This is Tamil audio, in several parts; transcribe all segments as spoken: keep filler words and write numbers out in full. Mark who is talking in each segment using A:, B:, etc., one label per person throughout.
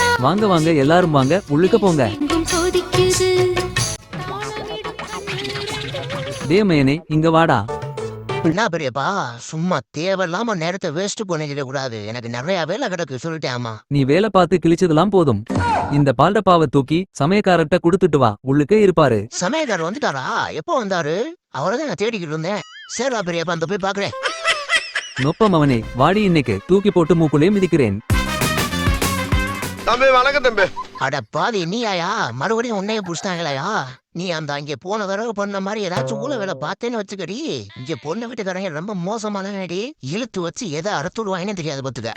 A: வாங்க வாங்க எல்லாரும் வாங்க, உள்ளுக்க போங்க. டேய் மயனே, இங்க வாடா.
B: என்ன பெரியப்பா, சும்மா தேவையில்லாம நேரத்தை வேஸ்ட் பண்ணிட கூடாது. எனக்கு நிறைய வேலை கிடக்கு, சொல்லிட்டேன்.
A: நீ வேலை பார்த்து கிழிச்சதெல்லாம் போதும். இந்த பால்டப்பாவை தூக்கி சமயக்காரர்கிட்ட குடுத்துட்டு வா, உள்ளுக்கே இருப்பாரு.
B: சமயக்காரர் வந்துட்டாரா? எப்போ வந்தாரு? அவரதான் நான் தேடிக்கிட்டு இருந்தேன். சரிடா பெரியப்பா, அந்த போய் பாக்குறேன்.
A: நொப்பம் அவனே, வாடி, இன்னைக்கு தூக்கி போட்டு மூக்குள்ளே மிதிக்கிறேன்.
C: தம்பி வணக்கம் தம்பி.
B: அட பாதி, நீயாயா? மறுபடியும் உன்னைய புடிச்சிட்டாங்களையா? நீ அந்த அங்கே போன தடவை பண்ண மாதிரி ஏதாச்சும் ஊழ வேலை பார்த்தேன்னு வச்சுக்கடி. இங்க பொண்ணு வீட்டுக்காரங்க ரொம்ப மோசமான வேடி, இழுத்து வச்சு எதை அறுத்துடுவாங்கன்னு தெரியாது பாத்துக்க.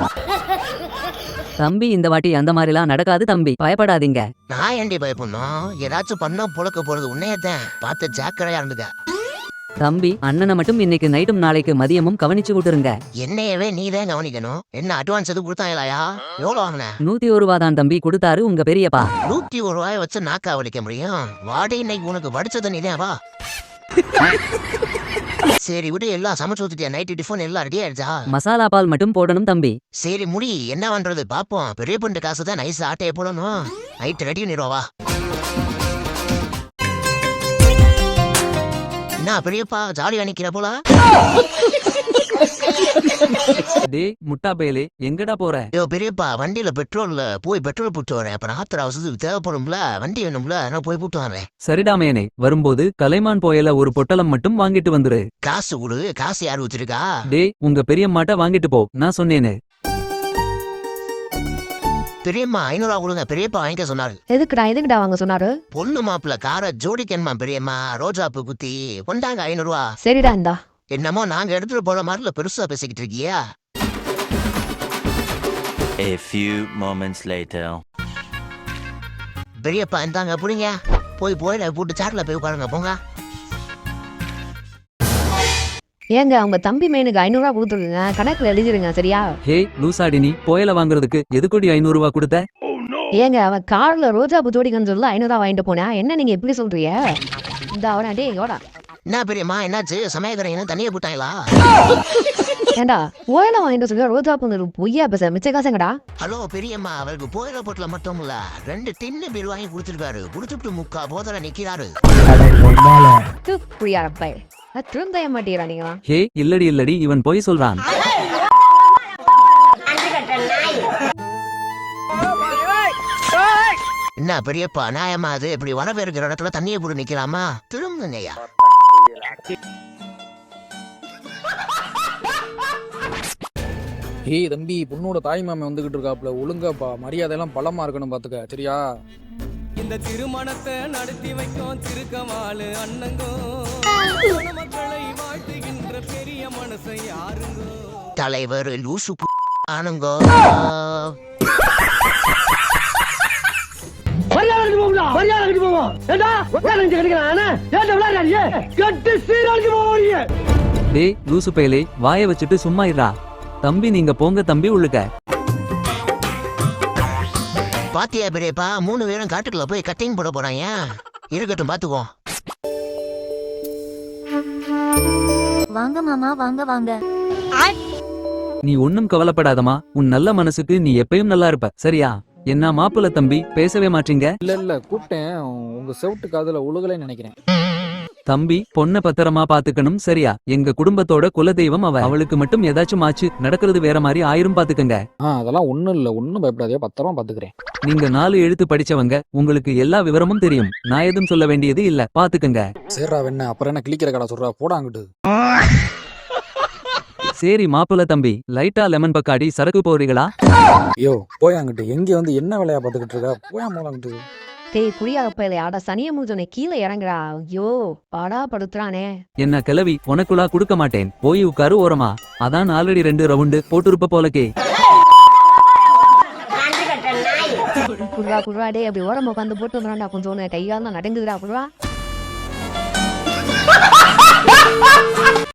D: தம்பி, இந்த வாட்டி அந்த மாதிரிலாம் நடக்காது தம்பி, பயப்படாதீங்க.
B: நான் ஏண்டி பயப்படணும்? ஏதாச்சும் பண்ணா புழக்க போறது உன்னையத்தான். பார்த்து ஜாக்கிரதையா இருந்துக்க.
D: தம்பி, அண்ணனை மட்டும் இன்னைக்கு நைட்டும் நாளைக்கு மதியமும் கவனிச்சு விட்டுருங்க.
B: என்னையவே நீதான் கவனிக்கணும். என்ன அட்வான்ஸ் எதுவும் கொடுத்தாங்களாயா? எவ்வளவு வாங்கின?
D: நூத்தி ஒரு ரூபா தான் தம்பி கொடுத்தாரு உங்க பெரியப்பா.
B: நூத்தி ஒரு ரூபாய் வச்சு நாக்கா வலிக்க முடியும்? வாடி, இன்னைக்கு உனக்கு வடிச்சது நீதான். வா. சரி விடு, எல்லாம் சமைச்சு ஊத்துட்டியா? நைட்டு டிஃபன் எல்லாம் ரெடி ஆயிடுச்சா?
D: மசாலா பால் மட்டும் போடணும் தம்பி.
B: சரி முடி, என்ன பண்றது பாப்போம். பெரிய பொண்ணு காசு தான், நைஸ் ஆட்டையை போடணும். நைட்டு ரெடி பண்ணிடுவா. என்ன பெரியப்பா, ஜாலியா நிக்கிற போல?
A: டேய் முட்டா பயலே, எங்கடா போற?
B: ஐயோ பெரியப்பா, வண்டியில பெட்ரோல்ல போய் பெட்ரோல் போட்டு வரேன். அப்புறம் ஆத்திர அவசரத்துக்கு தேவைப்படும்ல, வண்டி வேணும்ல, நான் போய் போட்டு வரேன்.
A: சரிடா மயனே, வரும்போது கலைமான் போயல ஒரு பொட்டலம் மட்டும் வாங்கிட்டு வந்துரு.
B: காசு கொடு. காசு யாரு வச்சிருக்கா?
A: டேய், உங்க பெரியம்மாட்ட வாங்கிட்டு போ, நான் சொன்னேனே.
B: பெரியம்மா ஐநூறு ரூபா கொடுங்க. பெரியப்பா வாங்கிக்க சொன்னாரு.
E: எதுக்குடா எதுக்குடா வாங்க சொன்னாரு?
B: பொண்ணு மாப்பிள்ள கார ஜோடிக்கணுமா பெரியம்மா, ரோஜாப்பு குத்தி கொண்டாங்க ஐநூறு ரூபா.
E: சரிடா, இந்தா.
B: என்னமோ நாங்க எடுத்துட்டு போற மாதிரில பெருசா பேசிக்கிட்டு இருக்கியா?
F: A few moments later.
B: பெரியப்பா இந்தாங்க புடிங்க. போய் போயில போட்டு சாட்ல போய் உட்காருங்க போங்க.
E: ஏங்க, அவங்க தம்பி மேனுக்கு ஐநூறு ரூபா கொடுத்துருங்க, கணக்குல எழுதிருங்க, சரியா?
A: ஹே லூசாடினி, போயல வாங்குறதுக்கு எதுக்கோடி ஐநூறு ரூபா கொடுத்த?
E: ஏங்க, அவன் கார்ல ரோஜா பூ ஜோடிக்கன்னு சொல்ல ஐநூறு ரூபா வாங்கிட்டு போனா என்ன நீங்க எப்படி சொல்றீங்க? இந்த அவனா டே யோடா.
B: என்ன பெரியம்மா, என்னாச்சு? சமயக்கரைன்னு தண்ணியை போட்டாங்களா?
E: ஏண்டா ஓயில வாங்கிட்டு சொல்ல ரோஜா பூ பொய்யா பேச மிச்ச காசுங்கடா.
B: ஹலோ பெரியம்மா, அவருக்கு போயில போட்டுல மட்டும் இல்ல ரெண்டு டின்னு பில் வாங்கி கொடுத்துருக்காரு. குடுத்துட்டு முக்கா போதல நிக்கிறாரு.
E: திரும்ப மாட்டீரா நீங்களா?
A: ஹே இல்லடி இல்லடி, இவன் போய் சொல்றான்.
B: என்ன பெரியப்பா, நியாயமா அது? இப்படி வரவே இருக்கிற இடத்துல தண்ணியை போட்டு நிக்கலாமா? திரும்புங்கய்யா.
G: ஏய் தம்பி, பொண்ணோட தாய் மாமன் வந்துகிட்டு இருக்காப்ல, ஒழுங்காப்பா, மரியாதை எல்லாம் பலமா இருக்கணும் பாத்துக்க, சரியா?
H: இந்த திருமணத்தை நடத்தி வைக்கும் திருக்கமாலு அண்ணங்கோ, மக்களை வாழ்த்துகின்ற பெரிய மனசை யாருங்கோ?
B: தலைவர் லூசு ஆனுங்கோ.
A: டேய் லூசு பயலே, வாய வச்சுட்டு சும்மா இருடா. தம்பி நீங்க போங்க தம்பி, உள்ளுக்க.
B: பாத்தியா பெரியப்பா, மூணு பேரும் காட்டுக்குள்ள போய் கட்டிங் போட போறாங்க. இருக்கட்டும் பாத்துக்கோ.
I: வாங்க மாமா, வாங்க வாங்க.
A: நீ ஒன்னும் கவலைப்படாதமா, உன் நல்ல மனசுக்கு நீ எப்பயும் நல்லா இருப்ப, சரியா? என்ன மாப்பிள்ள தம்பி, பேசவே மாட்டீங்க?
G: இல்ல இல்ல, கூப்பிட்டேன், உங்க செவுட்டு காதுல உழுகலைன்னு நினைக்கிறேன்.
A: தம்பி, பொண்ண பத்திரமா பாத்துக்கணும், சரியா? எங்க குடும்பத்தோட குலதெய்வம் அவ. அவளுக்கு மட்டும் ஏதாச்சும் ஆச்சு, நடக்கிறது வேற மாதிரி ஆயிரும், பாத்துக்கங்க.
G: ஆ அதெல்லாம் ஒண்ணும் இல்ல, ஒண்ணும் பயப்படாதே, பத்திரமா பாத்துக்கிறேன்.
A: நீங்க நாலு எழுத்து படிச்சவங்க, உங்களுக்கு எல்லா விவரமும் தெரியும். நான் எதுவும் சொல்ல வேண்டியது இல்ல, பாத்துக்கங்க.
G: சரிடா வெண்ண, அப்புறம் என்ன கிளிக்கிற கடை சொல்றா, போடாங்கிட்டு.
A: சரி மாப்பிள்ள தம்பி, லைட்டா லெமன் பக்காடி சரக்கு போறீங்களா?
G: ஐயோ போயாங்கிட்டு, எங்க வந்து என்ன வேலையா பாத்துக்கிட்டு இருக்கா, போயா போலாங்கிட்டு.
E: டேய் குடியாப்பையில ஆட சனிய மூஞ்சனை கீழே இறங்குறா. ஐயோ பாடா படுத்துறானே.
A: என்ன கிளவி, உனக்குள்ளா கொடுக்க மாட்டேன், போய் உட்காரு ஓரமா. அதான் ஆல்ரெடி ரெண்டு ரவுண்டு போட்டுருப்ப போலக்கே.
E: குடுறா குடுறா, டே அப்படி ஓரமா உட்காந்து போட்டு வந்துடா, கொஞ்சம் கையால் தான் நடங்குதுடா குடுறா.